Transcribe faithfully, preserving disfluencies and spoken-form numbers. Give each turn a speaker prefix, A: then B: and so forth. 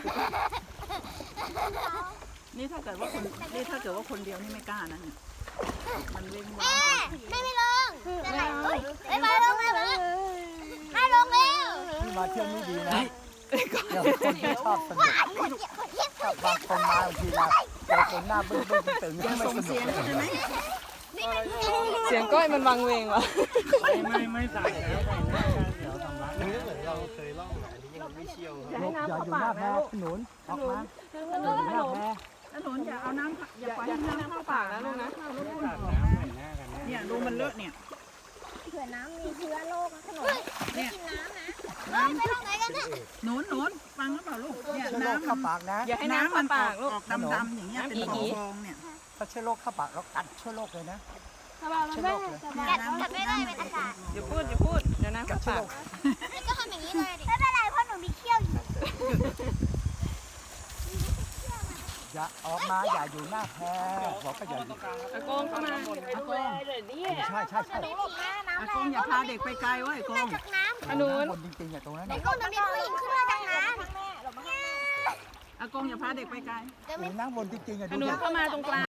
A: นี่ถ้าเกิดว่าคนนี่ถ้าเกิดว่าคนเดียวนี่ไม่กล้านะเนี่ยมันเว้งว้า
B: แม่
A: ง
B: ไม่ลงจะไหนเฮ้ยไม่มาลงไม่มาไม่ลงเร็ว
C: นี่มาเที่ยวนี่ดีนะเดี๋ยวคนที่ชอบสนุกชอบบางคนมาบางทีนะเจอคนหน้าบึ้งบึ้งตึง
A: อย่า
C: ไม่
A: ส่ง
C: สนุ
A: เสี
C: ก
A: ยง
C: เลย
A: ใช่ไหม
D: เสียงก้อยมันวังเวงวะ
E: ไม่ไม่ไม่ใส่แล้วใส่หน้ากันเดี๋ยวทำร้ายนี่เหมือนเราเคยล่องอันนี้ยังไม่เชี่ยวครับ
C: อย่าอยู่หน้าแพขนุนออกมาอย่าอยู่หน้าแพ
A: ถนนอย่าเอาน้ำอย่าปล่อย
D: อย่า
A: ให้
D: ให้
A: น้ำ
D: น้ำ
A: เข้า
D: เข้า
A: ปา
D: ปาก ก
A: นะ
D: นะ
A: ลู
D: ลู
A: ก
D: ก
A: นะ
D: นะ
E: ตัดน้ำใส่หน้ากัน
A: เนี่ยดูมันเลอะเนี่ย
B: เผื่อน้ำมีเชื้อโรคนะขนม
A: เนี่ย
B: กินน้ำนะ
A: น้ำ
B: ไปลงไหนกันเนี่ย
A: หนุนหนุนฟังหรือเปล่าลูกเนี่ย
C: เชื้อโรค
A: น้ำ
C: เข้าปากนะ
D: อย่าให้น้ำ
A: มั
D: เข้าน
A: ออ
D: ปาก กลูก
A: ออกดำๆอย่างเงี้ยเป็นฟองๆเนี่ย
C: ถ้าเชื้อโรคเข้าปากเรากัดเชื้อโรคเลยนะ
B: สบายมันไม่สบายกัดไม่ได้เป็นอากาศ
D: อย่าพูดอย่าพูดเดี๋ยวน้ำ
C: กั
D: เข้า
C: ดเชื้อโรค
D: ปาก
B: นี่ก็ทำอย่างนี้เลยดิไม่เป็นไรเพราะหนูมีเขี้ยวอยู่
C: อย่าออกมาอย่าอยู่หน้าแพบอกก็อย่าอยู่
D: อากงเข้ามา
A: อากง
C: ใช่ใช่ใช่
B: หนูหลบนะน้ำ
A: อากงอย่าพาเด็กไปไกลเว้ยอากง
B: จากน้ำ
D: ขนุน
C: คนจริงๆอย่างตรงนั้น
B: เด็กคนหนูมีผู้หญิงขึ้นมาจากน้ำ
A: อากงอย่าพาเด็กไปไกล
C: อยู่นั่งบนจริงๆอ่ะ
D: ข
C: ดู
D: นุน
C: ดิ
D: เข้ามาตรงกลาง